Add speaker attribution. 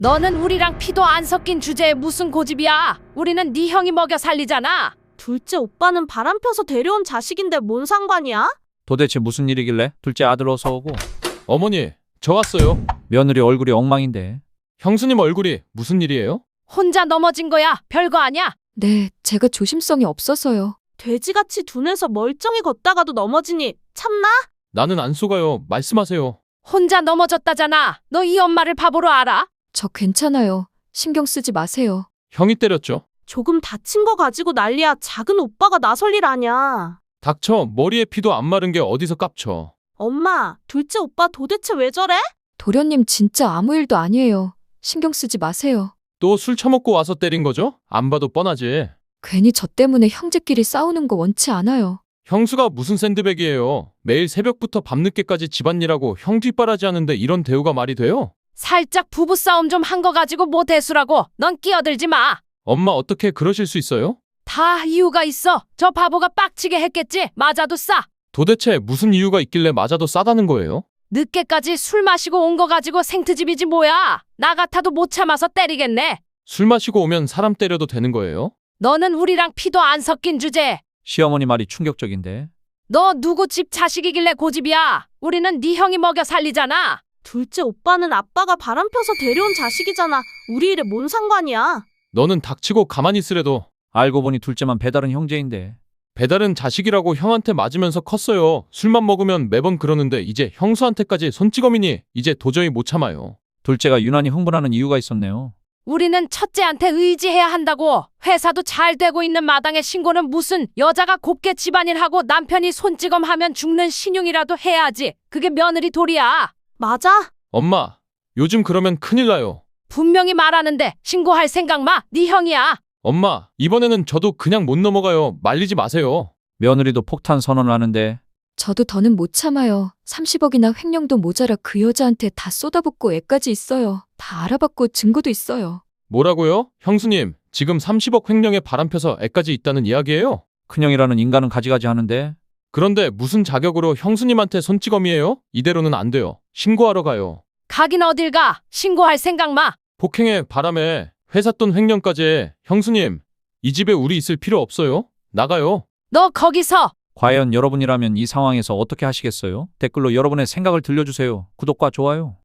Speaker 1: 너는 우리랑 피도 안 섞인 주제에 무슨 고집이야? 우리는 네 형이 먹여 살리잖아.
Speaker 2: 둘째 오빠는 바람 펴서 데려온 자식인데 뭔 상관이야?
Speaker 3: 도대체 무슨 일이길래 둘째 아들 어서 오고.
Speaker 4: 어머니, 저 왔어요.
Speaker 3: 며느리 얼굴이 엉망인데.
Speaker 4: 형수님 얼굴이 무슨 일이에요?
Speaker 1: 혼자 넘어진 거야. 별거 아니야.
Speaker 5: 네, 제가 조심성이 없어서요.
Speaker 2: 돼지같이 둔해서 멀쩡히 걷다가도 넘어지니 참나?
Speaker 4: 나는 안 속아요. 말씀하세요.
Speaker 1: 혼자 넘어졌다잖아. 너 이 엄마를 바보로 알아?
Speaker 5: 저 괜찮아요. 신경 쓰지 마세요.
Speaker 4: 형이 때렸죠.
Speaker 2: 조금 다친 거 가지고 난리야. 작은 오빠가 나설 일 아냐.
Speaker 4: 닥쳐. 머리에 피도 안 마른 게 어디서 깝쳐.
Speaker 2: 엄마, 둘째 오빠 도대체 왜 저래?
Speaker 5: 도련님 진짜 아무 일도 아니에요. 신경 쓰지 마세요.
Speaker 4: 또 술 처먹고 와서 때린 거죠? 안 봐도 뻔하지.
Speaker 5: 괜히 저 때문에 형제끼리 싸우는 거 원치 않아요.
Speaker 4: 형수가 무슨 샌드백이에요. 매일 새벽부터 밤늦게까지 집안일하고 형 뒷바라지 하는데 이런 대우가 말이 돼요?
Speaker 1: 살짝 부부싸움 좀 한 거 가지고 뭐 대수라고. 넌 끼어들지 마.
Speaker 4: 엄마 어떻게 그러실 수 있어요?
Speaker 1: 다 이유가 있어. 저 바보가 빡치게 했겠지. 맞아도 싸.
Speaker 4: 도대체 무슨 이유가 있길래 맞아도 싸다는 거예요?
Speaker 1: 늦게까지 술 마시고 온 거 가지고 생트집이지 뭐야. 나 같아도 못 참아서 때리겠네.
Speaker 4: 술 마시고 오면 사람 때려도 되는 거예요?
Speaker 1: 너는 우리랑 피도 안 섞인 주제.
Speaker 3: 시어머니 말이 충격적인데.
Speaker 1: 너 누구 집 자식이길래 고집이야. 우리는 네 형이 먹여 살리잖아.
Speaker 2: 둘째 오빠는 아빠가 바람 펴서 데려온 자식이잖아. 우리 일에 뭔 상관이야?
Speaker 4: 너는 닥치고 가만히 있으래도.
Speaker 3: 알고 보니 둘째만 배달은 형제인데.
Speaker 4: 배달은 자식이라고 형한테 맞으면서 컸어요. 술만 먹으면 매번 그러는데 이제 형수한테까지 손찌검이니 이제 도저히 못 참아요.
Speaker 3: 둘째가 유난히 흥분하는 이유가 있었네요.
Speaker 1: 우리는 첫째한테 의지해야 한다고. 회사도 잘 되고 있는 마당에 신고는 무슨. 여자가 곱게 집안일하고 남편이 손찌검하면 죽는 신용이라도 해야지. 그게 며느리 도리야.
Speaker 2: 맞아?
Speaker 4: 엄마, 요즘 그러면 큰일 나요.
Speaker 1: 분명히 말하는데 신고할 생각 마. 네 형이야.
Speaker 4: 엄마, 이번에는 저도 그냥 못 넘어가요. 말리지 마세요.
Speaker 3: 며느리도 폭탄 선언을 하는데.
Speaker 5: 저도 더는 못 참아요. 30억이나 횡령도 모자라 그 여자한테 다 쏟아붓고 애까지 있어요. 다 알아봤고 증거도 있어요.
Speaker 4: 뭐라고요? 형수님, 지금 30억 횡령에 바람 펴서 애까지 있다는 이야기예요?
Speaker 3: 큰형이라는 인간은 가지가지 하는데.
Speaker 4: 그런데 무슨 자격으로 형수님한테 손찌검이에요? 이대로는 안 돼요. 신고하러 가요.
Speaker 1: 가긴 어딜 가. 신고할 생각 마.
Speaker 4: 폭행에 바람에 회사 돈 횡령까지. 형수님, 이 집에 우리 있을 필요 없어요. 나가요.
Speaker 1: 너 거기서.
Speaker 3: 과연 여러분이라면 이 상황에서 어떻게 하시겠어요? 댓글로 여러분의 생각을 들려주세요. 구독과 좋아요.